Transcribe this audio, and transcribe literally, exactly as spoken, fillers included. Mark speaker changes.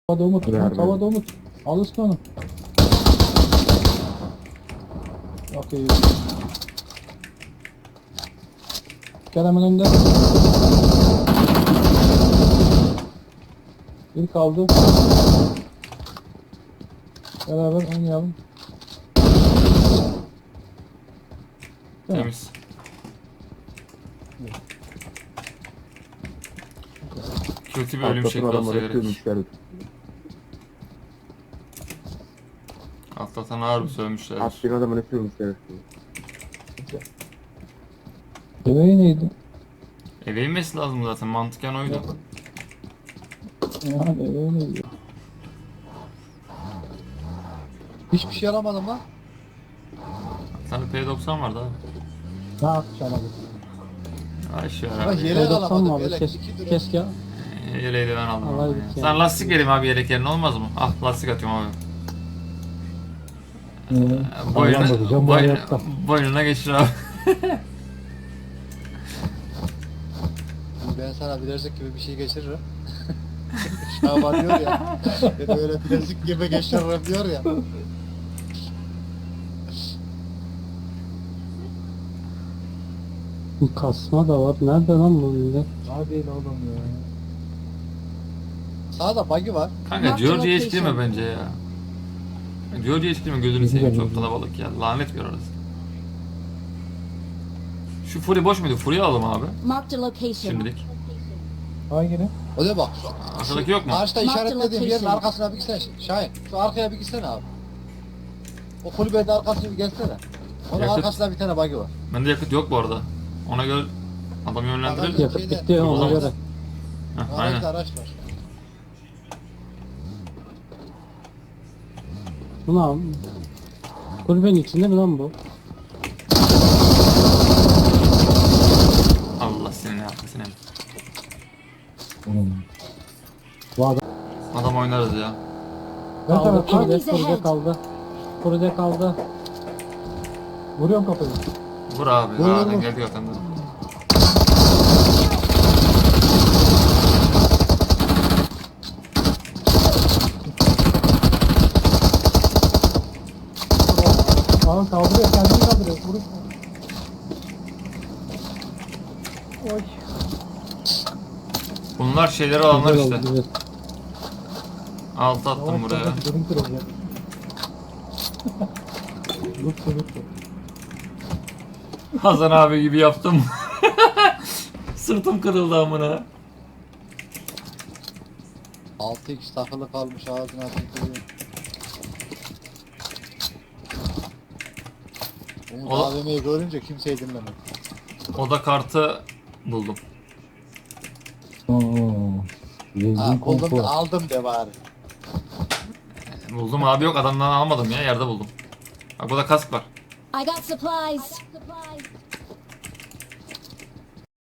Speaker 1: Havada Umut.
Speaker 2: Ver,
Speaker 1: Umut
Speaker 2: ver.
Speaker 1: havada Umut. Al üstüne onu. Okey. Gel hemen önde. Bir kaldı. Beraber oynayalım. Tamam.
Speaker 3: Temiz. Kötü bir ölüm
Speaker 2: Atlatın
Speaker 3: şekli olsa
Speaker 2: adamları
Speaker 3: gerek.
Speaker 2: sürmüşler.
Speaker 3: Atlatan ağır bir sövmüşler.
Speaker 2: Attığın adamını sürmüşler.
Speaker 1: Bebeği neydi?
Speaker 3: Eve inmesi lazım zaten, mantıken oydu.
Speaker 1: Yani bebeği neydi?
Speaker 4: Hiçbir şey alamadım lan.
Speaker 3: Sen P doksan vardı abi.
Speaker 1: Ne yapacağım abi?
Speaker 3: Ay şu
Speaker 4: Bak
Speaker 3: ara.
Speaker 4: yelek
Speaker 1: P doksan
Speaker 4: alamadım.
Speaker 1: mı abi?
Speaker 4: Yelek
Speaker 1: Kes,
Speaker 4: iki lira.
Speaker 1: keşke.
Speaker 3: Ee, Yeleği de ben aldım.
Speaker 1: Allah
Speaker 3: abi
Speaker 1: iyilik
Speaker 3: ya.
Speaker 1: ya.
Speaker 3: Sen lastik vereyim abi yelek yerine, olmaz mı? Ah, lastik atıyorum abi.
Speaker 1: Ee,
Speaker 3: Boynuna,
Speaker 1: bakacağım, bu
Speaker 3: boyn,
Speaker 1: hayatta.
Speaker 3: boynuna geçir abi.
Speaker 4: Ben sana bilezik gibi bir şey geçiririm. Şaban diyor ya. Ya da öyle bilezik gibi geçiririm diyor ya.
Speaker 1: Kasma da var. Nerede lan bu millet? Hadi oğlum ya.
Speaker 4: Sağda buggy var.
Speaker 3: Kanka George'ya hiç girme bence ya. George'ya hiç girme, gözünü seveyim, çok
Speaker 1: Girme.
Speaker 3: kalabalık ya. Lanet bir orası. Şu Fury boş muydu? Fury'yi alalım abi.
Speaker 5: Marked a location.
Speaker 3: Şimdilik.
Speaker 1: Hangini?
Speaker 4: O da bak.
Speaker 3: Arkadaki yok mu?
Speaker 4: Karşıda
Speaker 5: Mark the
Speaker 4: işaretlediğim yerin
Speaker 5: location.
Speaker 4: arkasına bir gitsene. Şahin. Şu arkaya bir gitsene abi. O kulübede arkasına bir gelsene. Onun
Speaker 3: Yakıt.
Speaker 4: arkasında bir tane buggy var.
Speaker 3: Bende yakıt yok bu arada. Ona göre adam yönlendirelim.
Speaker 4: Yakıt.
Speaker 1: Yakıt bitti ona
Speaker 3: Olamaz.
Speaker 1: göre.
Speaker 3: Heh, aynen.
Speaker 4: Aracda araç var.
Speaker 1: Bu ne abi? Kulübenin içinde mi lan bu?
Speaker 3: Allah seni ne yaptı seni.
Speaker 1: Bu adam
Speaker 3: Adam oynarız ya.
Speaker 1: kaldı. Kulübe,
Speaker 5: Enemies
Speaker 1: kulübe
Speaker 5: ahead.
Speaker 1: kaldı. Kulübe kaldı. Vuruyorum kapıyı.
Speaker 3: Vur abi.
Speaker 4: Vur,
Speaker 3: Aa,
Speaker 4: vur, vur.
Speaker 3: geldi zaten de.
Speaker 1: Aa kaldırıyor, kendini kaldırıyor. Vuruş. Oy.
Speaker 3: Bunlar şeyleri alanlar
Speaker 1: Güzel
Speaker 3: işte.
Speaker 1: oldu, güzel.
Speaker 3: Altı attım
Speaker 1: Yavaş
Speaker 3: buraya.
Speaker 1: yavaş, benim kırılacak. Lütfü lütfü.
Speaker 3: Hasan abi gibi yaptım. Sırtım kırıldı amına.
Speaker 4: altı x takılı kalmış ağzına tükürüyor. Umut
Speaker 3: O-
Speaker 4: A V M'yi görünce kimseyi dinlemedi.
Speaker 3: Oda kartı buldum.
Speaker 1: Oo.
Speaker 4: Ha
Speaker 1: Zengin
Speaker 4: buldum
Speaker 1: konfor.
Speaker 4: da aldım de bari.
Speaker 3: Buldum abi, yok adamdan almadım ya, yerde buldum. Bak burada kask var.
Speaker 5: I got supplies.